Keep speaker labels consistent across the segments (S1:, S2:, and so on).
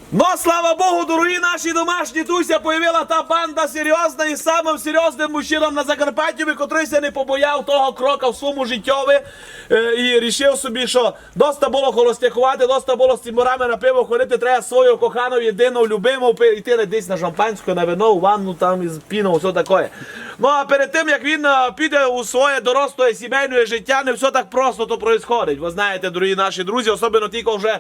S1: Ну, слава Богу, дорогі наші домашні, туся появила та банда серйозна і самим серйозним мужчинам на Закарпатті, котрий се не побояв того крока в своєму життєві і рішив собі, що доста було холостякувати, доста було з циморами на пиво ходити, треба свою кохану, єдину, любиму, йти десь на шампанську, на вино, у ванну, там із піном, все таке. Ну, а перед тим, як він піде у своє доросле сімейне життя, не все так просто то відбувається. Ви знаєте, дорогі наші друзі, особливо тільки вже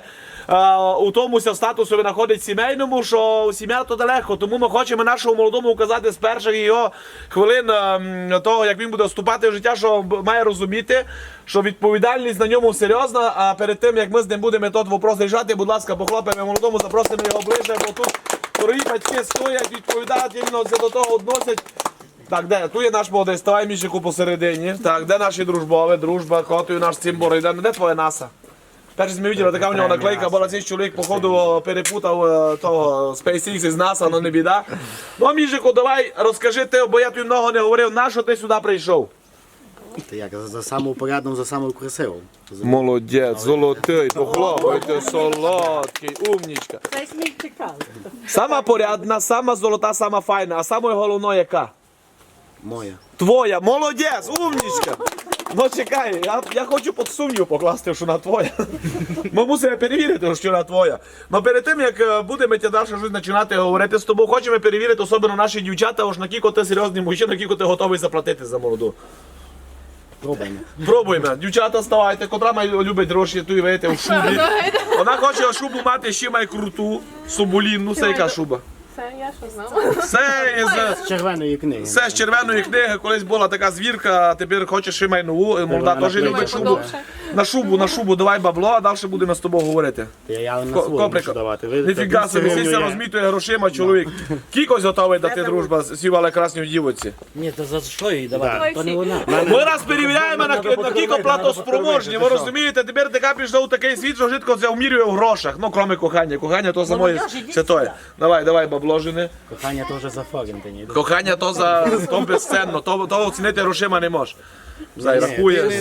S1: у тому статусу знаходить сімейному, що сім'я то далеко. Тому ми хочемо нашому молодому указати з перших його хвилин того, як він буде вступати в життя, що має розуміти, що відповідальність на ньому серйозна, а перед тим, як ми з ним будемо той вопрос рішати, будь ласка, похлопаємо молодому, запросимо його ближче, бо тут дорогі батьки стоять, відповідають, іменно до того відносять. Так, де? Тут є наш молодий, ставай Мішику посередині. Так, де наші дружбові, дружба, котою наш цимбор, де твоя наса? Перше ми бачили, така у нього наклейка була, цей чоловік, походу, перепутав того SpaceX із NASA, але не біда. Ну, Мішику, давай, розкажи ти, бо я тобі много не говорив, на що ти сюди прийшов?
S2: Та як, за саму порядну, за саму красиву.
S1: Молодець, золотий, похлопайте, солодкий, умнічка.
S3: Це сміх чекали.
S1: Сама порядна, сама золота, сама файна, а самою головною яка?
S2: Моя.
S1: Твоя, молодець, умнічка. Ну чекай, я хочу під сумнів покласти, що вона твоя. Ми мусимо перевірити, що вона твоя. Но перед тим, як будемо далі щось починати говорити з тобою, хочемо перевірити, особливо наші дівчата, ось на кілько ти серйозний мужчина, на кілько ти готовий заплатити за молоду.
S2: Пробуємо.
S1: Пробуємо. Дівчата, ставайте, котра має любить гроші, ту і вийти в шубі. Вона хоче шубу мати ще має круту, соболінну, це яка шуба?
S3: Це я що знала.
S1: Це
S2: З червоної книги.
S1: Це з червоної книги, колись була така звірка, а тепер хоче ще май нову, молода теж любить шубу. На шубу давай бабло, а далі будемо з тобою говорити.
S2: Я на свою
S1: Коприка.
S2: мушу давати.
S1: Ніфіга собі, сіся розмітує грошима чоловік. Кількось готовий дати дружба, сівали красній дівоці.
S4: Ні, то за що їй давати?
S3: Давай
S4: То не
S3: всі.
S4: вона.
S1: Ми раз перевіряємо на кілько платоспроможні, ви розумієте, тепер така прийшла у такий світ, що житко це вмірює в грошах, ну кроме кохання. Кохання то самої святої. Давай бабло жени.
S2: Кохання то вже за форінтині.
S1: Кохання то безцінно, то оцінити грошима не можеш. Зай рахує.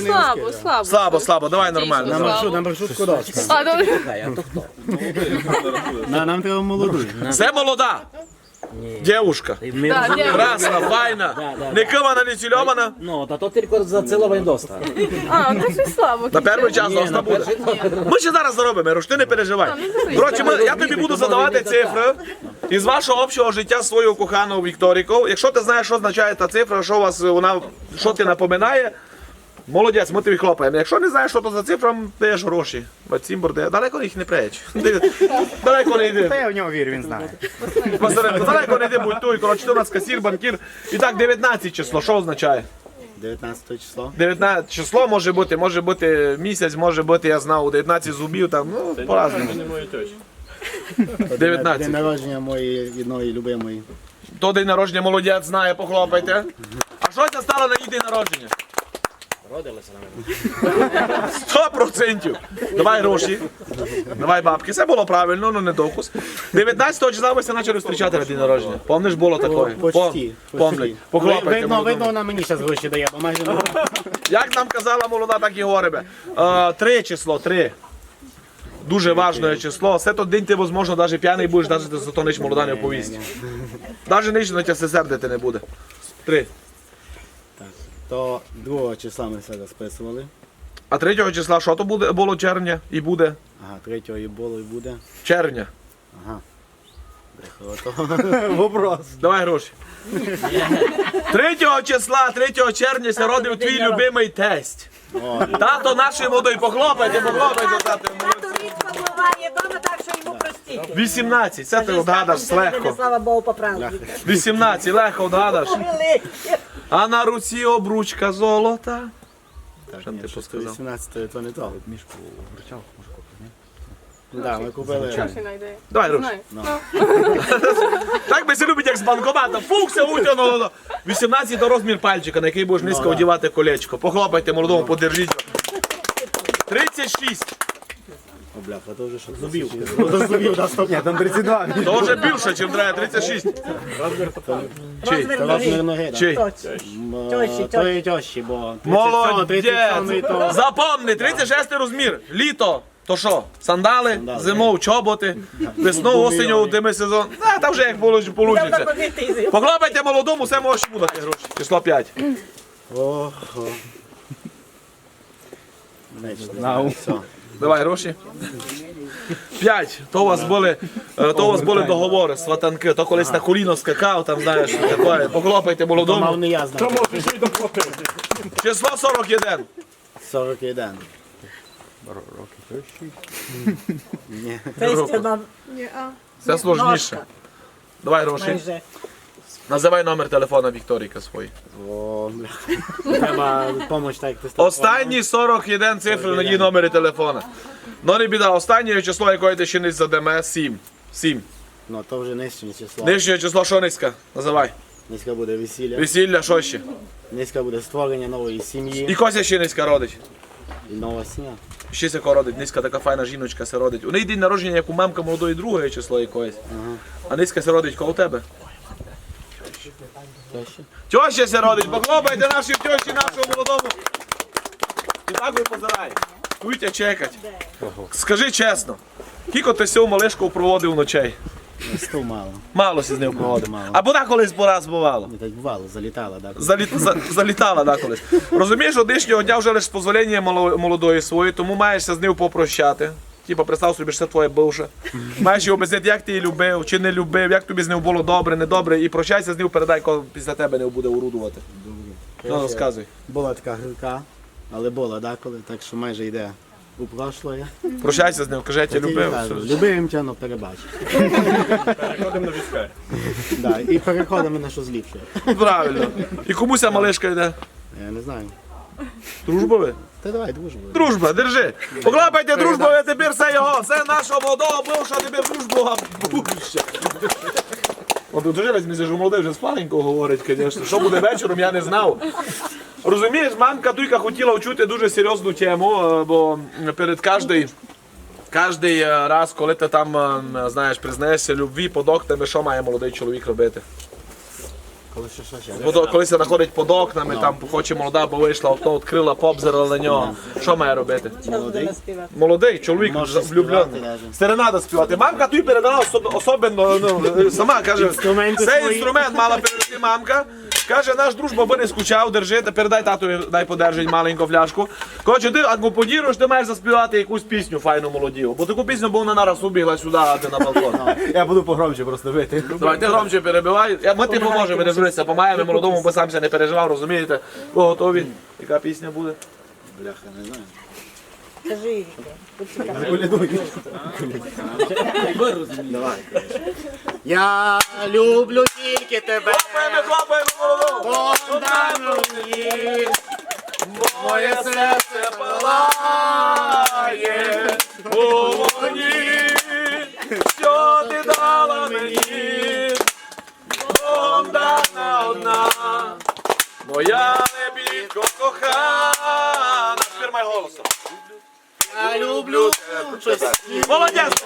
S1: Слабо, давай нормально.
S2: На маршрутку дошка.
S3: А, добре.
S4: А то хто?
S2: Нам треба молоду.
S1: Це молода. Дівушка.
S4: Ми
S3: Так,
S4: розуміємо.
S1: Красна, файна, не кивана, не цільована.
S4: Ну, та то тільки за ціловий доста.
S3: А, ну щось слабо.
S1: На перший час доста буде. Ми ще зараз заробимо, Руш, ти не переживай. Коротше, я тобі буду задавати цифри із вашого общого життя свою кохану Вікторіку. Якщо ти знаєш, що означає та цифра, що ти напоминає, молодець, ми тобі хлопаємо. Якщо не знаєш, що то за цифра, даєш гроші. Цимбор, далеко їх не преч. Далеко не йди.
S2: Та я в нього вірю, він знає.
S1: Далеко не йди, будь той. Коротше, у нас касір, банкір. І так, 19 число, що означає?
S2: 19 число.
S1: 19 число може бути місяць, може бути, я знав, 19 зубів, там, ну, по-разному. 19.
S2: День народження моєї одної любимої.
S1: То день народження молодець знає, похлопайте. А що це стало на її день народження?
S4: Родилися на мене.
S1: 100%. Давай гроші, давай бабки. Це було правильно, ну не докус. 19 числа ви почали зустрічати на день народження. Помниш, було таке?
S2: Почти.
S1: Помнить. Похлопайте.
S2: Видно, вона мені зараз гроші дає, бо майже не.
S1: Як нам казала молода, так і говоримо. 3 число, 3. Дуже важливе число. Все той день ти, можливо, навіть п'яний будеш, навіть за то ніч молода не оповість. Навіть ніч на тебе сердити не буде. 3.
S2: То 2 числа ми все розписували.
S1: А 3 числа що то було червня і буде?
S2: Ага, 3 і було і буде.
S1: Червня.
S2: Ага. Вопрос.
S1: Давай гроші. 3 числа, 3 червня се родив твій любимий тесть. Тато нашої молодої, похлопайте, тато.
S5: Тато рідко буває вдома, так що йому простіть.
S1: 18, це ти вгадаш легко.
S5: Слава Богу, поправді.
S1: 18, легко вгадаш. А на руці обручка золота. Що ти посказав?
S2: 18 то не то. Мішку вручав, може купити, ні? Так, ми купили.
S3: Гроші знайде.
S1: Давай гроші.
S3: Знаю.
S1: Так би се любить, як з банкомата. Фукся утягнуло. 18 то розмір пальчика, на який будеш низько одягати колечко. Похлопайте молодому, подержіть його. 36.
S2: О, бляха, то вже що? Зубів. До зубів, да, стоп. Ні, там 32.
S1: То вже більше, чим треба, 36. Чий?
S2: Це розмір ноги, так.
S1: Чий?
S2: Тої тьощі, бо 37,
S1: Молодець!
S2: 37 то.
S1: Запомни, 36 розмір. Літо. То що, сандали, зимов, чоботи, весною, осінню, дими сезон. Та вже як
S5: Будемо
S1: получиться.
S5: ходити із
S1: Поклопайте молодому, все може бути гроші. Число 5.
S2: Ого. Знав. Все.
S1: Давай гроші. 5. То у вас були договори, сватанки. То колись на коліно скакав, там знаєш, таке. Поклопайте молодому.
S2: Не я знав.
S1: Число 41.
S2: 41. Роки 6. Ні.
S5: Тестя нам
S1: Це сложніше. Давай гроші.
S5: майже.
S1: Називай номер телефона Вікторійка свій.
S2: О, бля. Треба допомогти, так як ти став.
S1: Останні 41 цифри на її номері телефона. Ну не біда, останнє число, якої ти ще не задеме, 7. 7.
S2: Ну, то вже нижче число.
S1: Нижнє число, що низька? Називай.
S2: Низька буде весілля.
S1: Весілля, що ще?
S2: Низька буде створення нової
S1: І
S2: сім'ї.
S1: Кося ще низька родить.
S2: І нова сім'я.
S1: Ще сяко родить, низька така файна жіночка се родить. У неї день народження, як у мамка молодої другої число якоїсь. А низька се родить коло тебе. Тьоща се родить, похлопайте нашій тьощі, нашому молодому. І так ви позирай. Куйте чекать. Скажи чесно, кілько ти сьому малишку проводив ночей?
S2: Сту мало.
S1: Мало си з ним проводив.
S2: Мало.
S1: А бода колись по раз бувало.
S2: Не так бувало, залітала, так.
S1: Залітала да, колись. Розумієш, одишнього дня вже лише з дозволення молодої своєї, тому маєшся з ним попрощати. Типа, представ собі, що це твоя бивша. Маєш її об'яснити, як ти її любив, чи не любив, як тобі з ним було добре, недобре, і прощайся з ним, передай, коли після тебе не буде урудувати. Ну, розказуй.
S2: Була така гірка, але була деколи, так що майже йде у прошлое.
S1: Прощайся з ним, кажи, я тебе любив. все.
S2: Любив тя, но перебач.
S6: Переходимо на війська.
S2: Да, і переходимо на щось ліпше.
S1: Правильно. І комусь ця малишка йде.
S2: Я не знаю.
S1: Дружба ви?
S2: Та давай, дружбу.
S1: Дружба, держи. Поклапайте дружбу, а тепер все його. Все нашого молодого бивша, тепер дружба будуща. От дуже раз мені що молодий вже спаленько говорить, звісно. Що буде вечором, я не знав. Розумієш, мамка Туйка хотіла вчути дуже серйозну тему, бо перед кожний раз, коли ти там, знаєш, признаєшся любві під окнами, що має молодий чоловік робити?
S2: Коли що.
S1: Коли се знаходить під окнами, там хоче молода, бо вийшла, окно відкрила, побзирала на нього. Що має робити?
S2: Молодий.
S1: Молодий чоловік
S2: Може
S1: влюблений.
S2: співати даже.
S1: Серенада співати. Мамка тобі передала особливо, ну, сама каже,
S2: Інструменти
S1: цей
S2: свої.
S1: інструмент мала передати мамка. Каже, наш дружба би не скучав, держи, передай татові, дай подержить маленьку фляжку. Коротше, ти акомпаніруєш, ти маєш заспівати якусь пісню файну молодіву. Бо таку пісню, бо вона нараз убігла сюди, а ти на балкон.
S6: Я буду погромче просто вийти.
S1: Давай, ти громче перебивай. Ми ти поможемо, не журися, помаємо молодому, бо сам ще не переживав, розумієте? Ви готові? Яка пісня буде?
S2: Бляха, не знаю.
S5: Кажи,
S2: Я люблю тільки тебе.
S1: Хлопаємо молодому!
S2: Богдану мені.
S1: Моє серце палає у вогні, що ти дала мені, Богдана одна, моя небідко кохана. Тепер май голосом.
S2: Я люблю тебе.
S1: Молодець!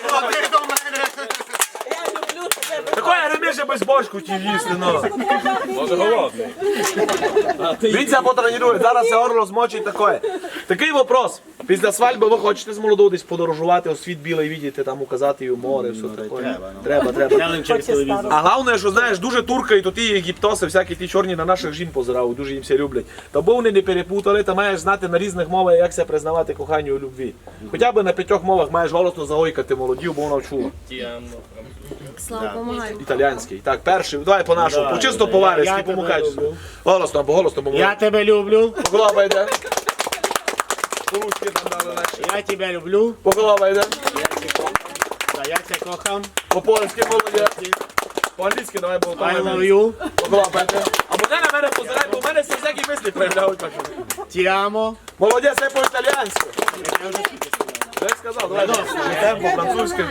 S5: я люблю тебе.
S1: Такое реміше без бочку ті їсти, ну.
S6: Може голодний.
S1: Він це потренує, зараз це орло змочить таке. Такий вопрос. Після свадьби ви хочете з молодою десь подорожувати у світ білий, видіти, там указати її море, все таке. Треба.
S5: Хоче стару.
S1: А головне, що знаєш, дуже туркають оті єгиптоси, всякі ті чорні на наших жін позирають, дуже їм все люблять. Та бо вони не перепутали, та маєш знати на різних мовах, як себе признавати коханню і любві. Хоча б на 5 мовах маєш голосно загойкати молодів, бо вона чула.
S3: Слава, помагай.
S1: Італіянський. Так, перший, давай по-нашому, чисто по-варязьки,
S2: Я тебе
S1: помукач.
S2: люблю.
S1: Голосно,
S2: Я
S1: помагай.
S2: тебе люблю.
S1: Поголова йде. По-русски там дали наші.
S2: Я тебе люблю.
S1: Поголова йде.
S2: Та я тебе кохам.
S1: По-польськи молодець. По-англійськи давай, бо
S2: I love you.
S1: поголова йде. Або не на мене позирай, бо в мене всі всякі мислі проявляють.
S2: Ti amo.
S1: Молодець, це по-італіянськи. Я сказав, давай. Темпо, французьки.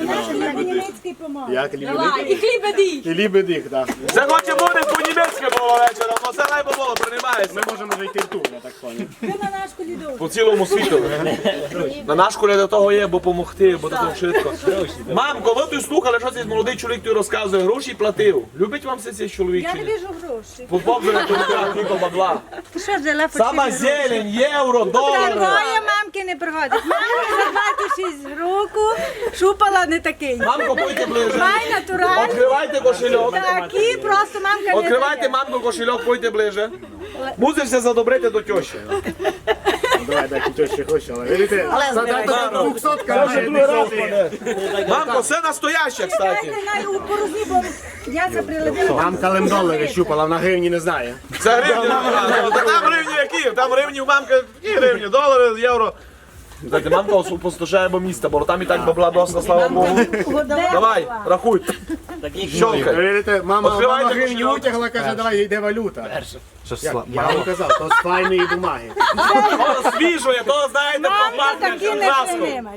S2: Як люблю.
S3: І хліб
S2: І лібедих, так.
S1: Це хоче буде по-німецьки було вечором, але це найбо було, приймається.
S2: Ми можемо зайти в тур, я так поняв.
S1: По цілому світу. На наш коля до того є, бо помогти, бо такого швидко. Мамко, ви тут слухали, що цей молодий чоловік тобі розказує, гроші платив. Любить вам цей чоловік
S7: Я
S1: чи
S7: не
S1: ні?
S7: вижу грошей.
S1: Побобжене тільки бабла.
S7: Ти що взяла
S1: Сама зелень, євро, долари.
S7: Такої мамки не приходить. Мамки
S5: 26 року, шупала не такий.
S1: Мамко, пойте ближе.
S5: Май натуральний.
S1: Відкривайте кошельок.
S5: Такі просто мамка не
S1: Відкривайте,
S5: дає.
S1: мамко, кошельок, пойте ближе. Мусишся задобрити до тещі.
S2: Давай, дай тещі хоче, але видите, задати 200 каже,
S1: Мамко, все настояще, кстати.
S5: Дайте най у порозні, бо я це прилетіла.
S2: Мамка лем-долари щупала, вона гривні не знає.
S1: Це гривні. Там гривні які? Там гривні у мамки, які гривні? Долари, євро. Знаєте, мамка послушає бо міста, бо там і так бабла доста, слава Богу. Давай, рахуй. Щолкай.
S2: Видите, мама
S1: Відкривайте
S2: гривні
S1: кошельок.
S2: утягла, каже, давай, йде валюта. Я вам казав, то з файної бумаги.
S1: То свіжує, то, знаєте,
S5: Мамка
S1: пропахне
S5: такі не
S1: краском.
S5: приймать.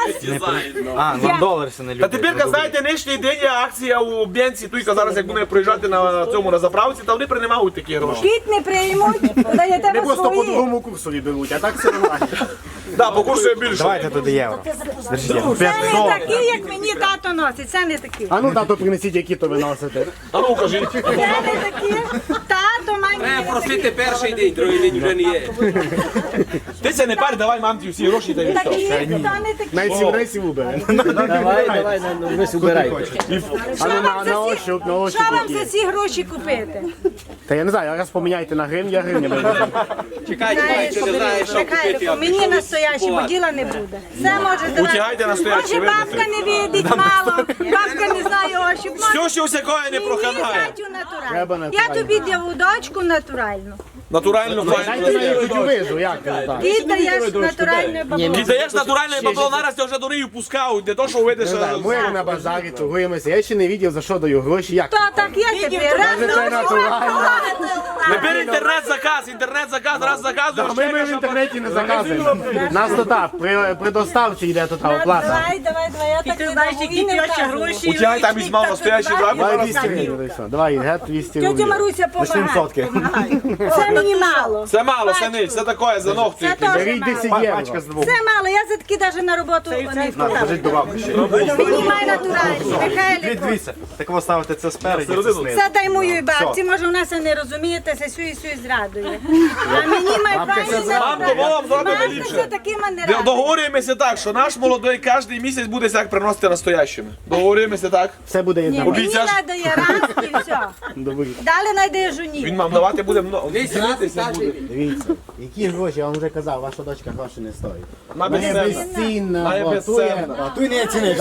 S5: Я
S7: Нам долари не
S1: Та
S7: люблять.
S1: тепер, знаєте, нинішній день є акція у Бенці, туйка зараз, як буде проїжджати на цьому на заправці, та вони приймають такі гроші.
S5: кіт не приймуть, даєте
S2: Не
S5: ви
S2: просто по
S5: свої.
S2: другому курсові беруть, а так все нормально.
S1: Так, по курсу є більше.
S7: Давайте туди євро. Держіть.
S5: Це не такі, як мені тато носить, це не такі.
S2: А ну, тато, принесіть, які то ви носите.
S1: А ну, кажіть.
S5: Це не такі. Тато має.
S8: Просити перший день, другий день вже не є.
S1: Ти це не парь, давай мамці всі гроші та й все.
S5: Такі, та не такі.
S2: Навіть 7 рейсів убере.
S4: Давай, ви убирайте.
S2: А ну, на
S5: Що
S2: ощуп, на ощуп.
S5: вам за
S2: які.
S5: ці гроші купити?
S2: Та я не знаю, раз поміняйте на гривні, я гривні беру.
S8: Чекай, ти не знаєш, що купити.
S5: Михайлику, мені настоящі, бо діла не буде. Все може давати.
S1: Утягайте настоящі,
S5: Може,
S1: видите?
S5: бабка не видить мало, бабка не знає ощуп.
S1: Все, що всякого не
S5: Мені
S1: проханає.
S5: зятю
S2: Треба
S5: натурально. Я
S2: натурально.
S5: тобі даю дочку натуральну.
S1: Натурально
S2: Дайте
S1: файно.
S2: на їх вижу, як це так?
S5: Ти даєш натуральне бабло.
S1: Ти даєш натуральне бабло, нараз тебе вже дурію пускають, не то, що видиш.
S2: Не знаю, ми на базарі торгуємося, я ще не бачив, за що даю гроші, як.
S5: То так є тепер. Раз
S2: Це
S5: ночі
S2: натурально.
S1: Тепер інтернет-заказ, раз заказуєш.
S2: А ми в інтернеті не заказуємо. Нас то так, при доставці йде то та оплата.
S5: Давай, я так не знаєш, які гроші.
S1: Утягай там візьмав настоящий
S2: Давай
S1: бабу.
S2: 200 гривень, все. Давай, гет 200
S5: Тетя
S2: гривень.
S5: Маруся, помагай. Це мені мало.
S1: Це мало, це ніч, це таке, за ногті.
S5: Це теж
S2: Беріть
S5: мало.
S2: 10 євро.
S5: Це мало, я за таки навіть на роботу не вкладаю.
S7: Скажіть до бабки ще.
S5: Мені має натуральні. Михайлику,
S7: Дивіться, так ви ставите це спереді, це знизу.
S5: це дай моїй бабці, може вона це не розумієте, це сю і сю зрадує. А мені має правильно
S1: Мамко, вам зробимо ліпше.
S5: це таки мене радує.
S1: Договорюємося так, що наш молодий кожен місяць буде як приносити настоящими. Договорюємося так.
S2: Все буде
S5: Ні,
S2: єдно.
S5: мені
S1: Обіцяш?
S5: надає раз і все.
S2: Добре.
S5: Далі найде жоні.
S1: Він вам давати буде много. Дивіться буде.
S2: Дивіться, які гроші, я вам вже казав, ваша дочка гроші не стоїть.
S1: На
S2: Вона
S1: безцінна.
S2: безцінна,
S1: Вона
S2: бо
S1: безцінна.
S2: а ту не ціниш.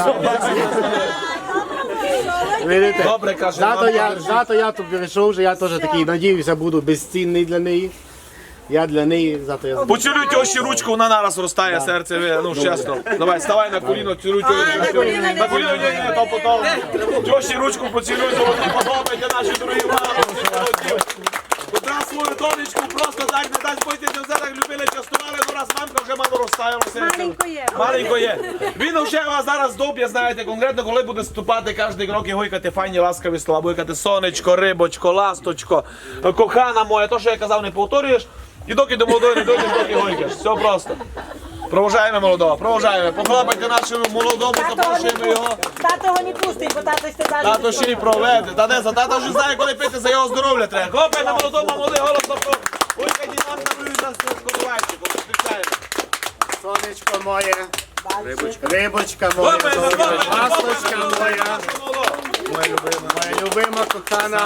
S2: Видите?
S1: Добре, каже.
S2: Зато я тут перейшов, що я теж такий, надіюся, буду безцінний для неї. Я для неї, зато я
S1: Поцілуй тещі ручку, вона нараз розтає серце, ну чесно. Давай, ставай на коліно, цілуй
S5: на коліно не
S1: на коліно, ні, то потім. Тещі ручку поцілуй, золоті подобайте наші дорогі мами. Кудра свою донечку просто так не дасть пойти, не все так любили, частували, ну раз мамка вже мало розтаяла серце.
S5: Маленько є.
S1: Маленько є. Він вже вас зараз доб'є, знаєте, конкретно, коли буде ступати кожен крок і гойкати файні ласкаві слова, гойкати сонечко, рибочко, ласточко, кохана моя, то, що я казав, не повторюєш. І доки до молодої не дойдеш, доки гойкаєш. Все просто. Провожаємо молодого, провожаємо. Похлопайте нашому молодому, запрошуємо його.
S5: Тато його не пустить, бо тато ще далі.
S1: Тато ще й проведе. Та де за тато вже знає, коли пити, за його здоров'я треба. Хлопаємо молодому, молодий голос. Гойкаді нам на скорувальчику. Зустрічаємо.
S2: сонечко моє, рибочка моя,
S1: Хлопаємо, хлопаємо,
S2: ласточка моя,
S1: моя.
S2: моя любима, кохана,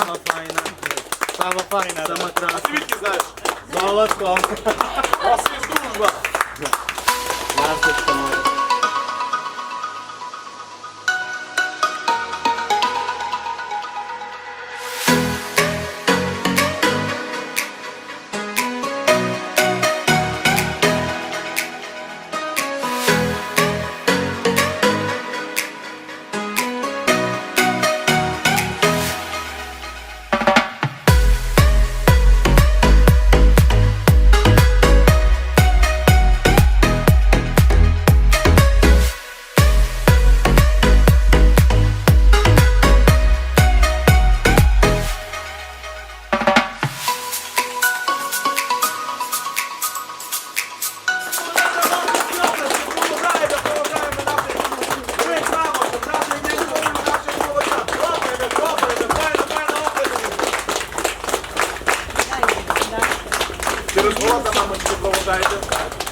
S2: сама файна, сама
S1: А ти звідки знаєш?
S2: золотко,
S1: У вас є дружба.
S2: ласточка моя.
S1: Через голода, мамочки, провожайте.